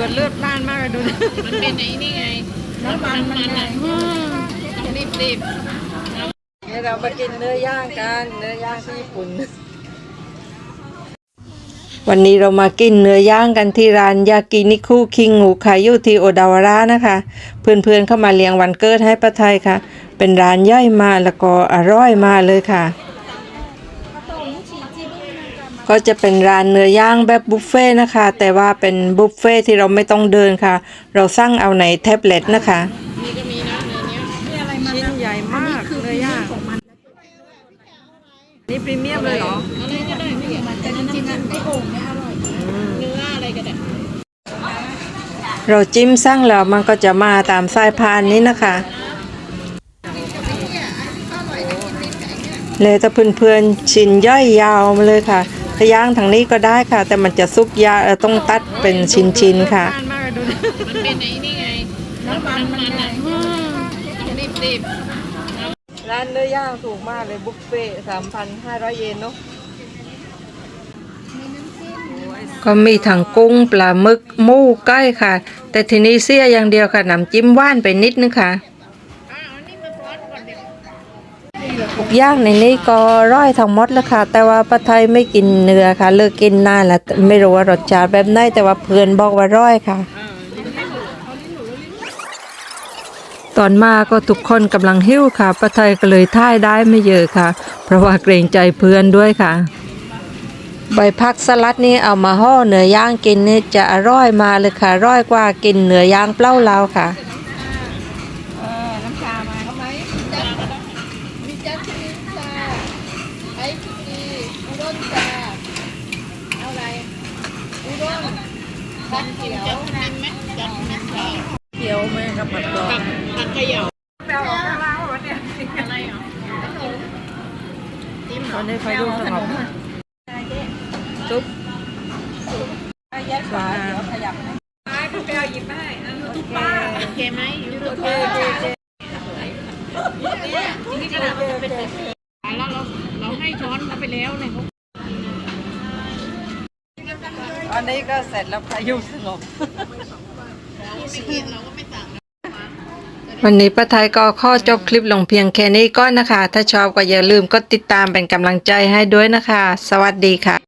อดเลือดล้านมากเลยดูมันเป็นไอ้นี่ไงน้ำมันอ่ะต้องรีบเดี๋ยวเรามากินเนื้อย่างกันเนื้อย่างที่ญี่ปุ่นวันนี้เรามากินเนื้อย่างกันที่ร้านยากินิคุคิงงูขายอยู่ที่โอดาวาระนะคะเพื่อนๆเข้ามาเลี้ยงวันเกิดให้ป้าไทยค่ะเป็นร้านย่อยมากแล้วก็อร่อยมากเลยค่ะก็จะเป็นร้านเนื้อย่างแบบบุฟเฟ่นะคะแต่ว่าเป็นบุฟเฟ่ที่เราไม่ต้องเดินค่ะเราสั่งเอาในแท็บเล็ตนะคะนี่ก็มีนะเนื้อเนี้ยชิ้นใหญ่มากเนื้อย่างนี่พรีเมียมเลยเหรออะไรก็ได้ไม่เกี่ยวแต่น้ำจิ้มไอ้โอ่งเนี่ยอร่อยเนื้ออะไรก็ได้เราจิ้มสั่งแล้วมันก็จะมาตามสายพานนี้นะคะเลยถ้าเพื่อนๆชิ้นย่อยยาวมาเลยค่ะถ้าย่างทางนี้ก็ได้ค่ะแต่มันจะซุกยาวต้องตัดเป็นชิ้นๆค่ะมันเป็นไอ้นี่ไงน้ำมันอ่ะต้องรีบร้านเนื้อย่างถูกมากเลยบุฟเฟ่ 3,500 เยนเนาะก็มีทั้งกุ้งปลาหมึกหมูไก่ค่ะแต่ทีนี้เสียอย่างเดียวค่ะน้ำจิ้มหวานไปนิดนึงค่ะทุกอย่างในนี้ก็ร่อยทั้งหมดแล้วค่ะแต่ว่าป้าไทยไม่กินเนื้อค่ะเลิกกินนานแล้วไม่รู้ว่ารสชาติแบบไหนแต่ว่าเพื่อนบอกว่าร่อยค่ะตอนมาก็ทุกคนกำลังหิ้วค่ะป้าไทยก็เลยท่ายได้ไม่เยอะค่ะเพราะว่าเกรงใจเพื่อนด้วยค่ะใบผักสลัดนี่เอามาห่อเนื้อย่างกินนี่จะอร่อยมาเลยค่ะร่อยกว่ากินเนื้อย่างเปล่าเราค่ะน้ำชามาเขาไหมมีจัดมีชาไอซ์กีอุด้นชาเอาอะไรอุด้นผัดเขียวจัดไหมจัดไหมชาเขียวไหมกับผัดกรอบผัดเขย่าแปลว่าอะไรวะเนี่ยอะไรอ่ะจิ้มเหรอวันนี้ใครดูสงบซุปปลาขยับนะแปลหยิบให้ซุปปลาโอเคไหมยูทูบเบอร์นี่ขนาดมันเป็นแล้วเราให้ช้อนเขาไปแล้วเนี่ยอันนี้ก็เสร็จแล้วพายุสงบวันนี้ป้าไทยก็ขอจบคลิปลงเพียงแค่นี้ก่อนนะคะถ้าชอบก็อย่าลืมกดติดตามเป็นกำลังใจให้ด้วยนะคะสวัสดีค่ะ